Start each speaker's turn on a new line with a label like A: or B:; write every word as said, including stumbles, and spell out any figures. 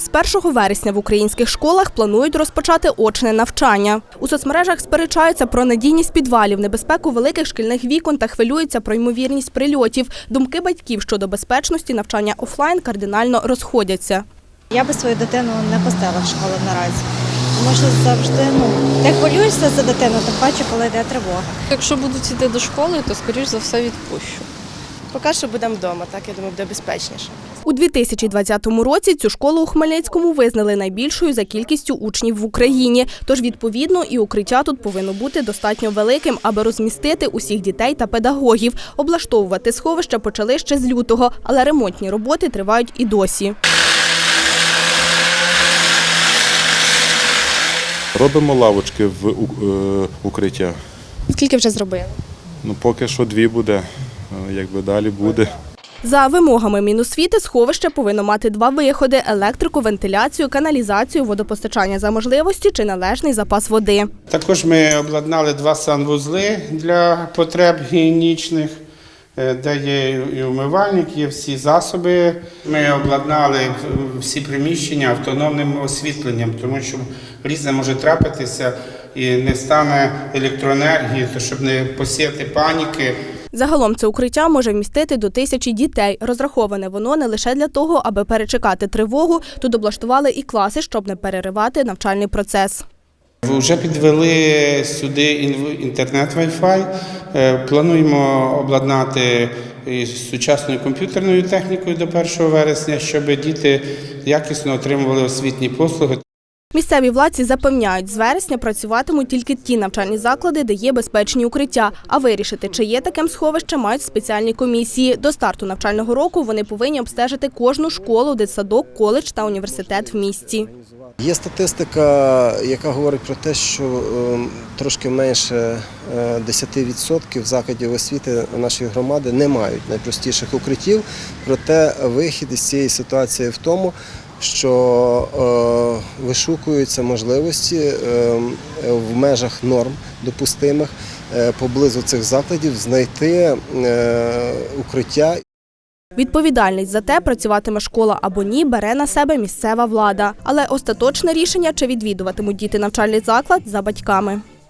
A: З першого вересня в українських школах планують розпочати очне навчання. У соцмережах сперечаються про надійність підвалів, небезпеку великих шкільних вікон та хвилюються про ймовірність прильотів. Думки батьків щодо безпечності навчання офлайн кардинально розходяться.
B: Я би свою дитину не пустила в школу наразі, тому що завжди, ну, ти хвилюєшся за дитину, тим паче, коли йде тривога.
C: Якщо будуть йти до школи, то, скоріш за все, відпущу.
D: Поки що будемо вдома, так, я думаю, буде безпечніше.
A: У дві тисячі двадцятому році цю школу у Хмельницькому визнали найбільшою за кількістю учнів в Україні. Тож, відповідно, і укриття тут повинно бути достатньо великим, аби розмістити усіх дітей та педагогів. Облаштовувати сховища почали ще з лютого, але ремонтні роботи тривають і досі.
E: Робимо лавочки в укриття.
A: Скільки вже зробили?
E: Ну, поки що дві буде, якби далі буде.
A: За вимогами Міносвіти сховище повинно мати два виходи – електрику, вентиляцію, каналізацію, водопостачання за можливості чи належний запас води.
F: Також ми обладнали два санвузли для потреб гігієнічних, де є і умивальник, є всі засоби. Ми обладнали всі приміщення автономним освітленням, тому що різне може трапитися і не стане електроенергії, то щоб не посіяти паніки.
A: Загалом це укриття може вмістити до тисячі дітей. Розраховане воно не лише для того, аби перечекати тривогу. Тут облаштували і класи, щоб не переривати навчальний процес.
F: Вже підвели сюди інтернет Wi-Fi. Плануємо обладнати сучасною комп'ютерною технікою до першого вересня, щоб діти якісно отримували освітні послуги.
A: Місцеві владці запевняють, з вересня працюватимуть тільки ті навчальні заклади, де є безпечні укриття. А вирішити, чи є таким сховище, мають спеціальні комісії. До старту навчального року вони повинні обстежити кожну школу, дитсадок, коледж та університет в місті.
G: Є статистика, яка говорить про те, що трошки менше десять відсотків закладів освіти нашої громади не мають найпростіших укриттів. Проте вихід із цієї ситуації в тому, що е, вишукуються можливості е, в межах норм допустимих е, поблизу цих закладів знайти е, укриття.
A: Відповідальність за те, працюватиме школа або ні, бере на себе місцева влада. Але остаточне рішення, чи відвідуватимуть діти навчальний заклад, за батьками.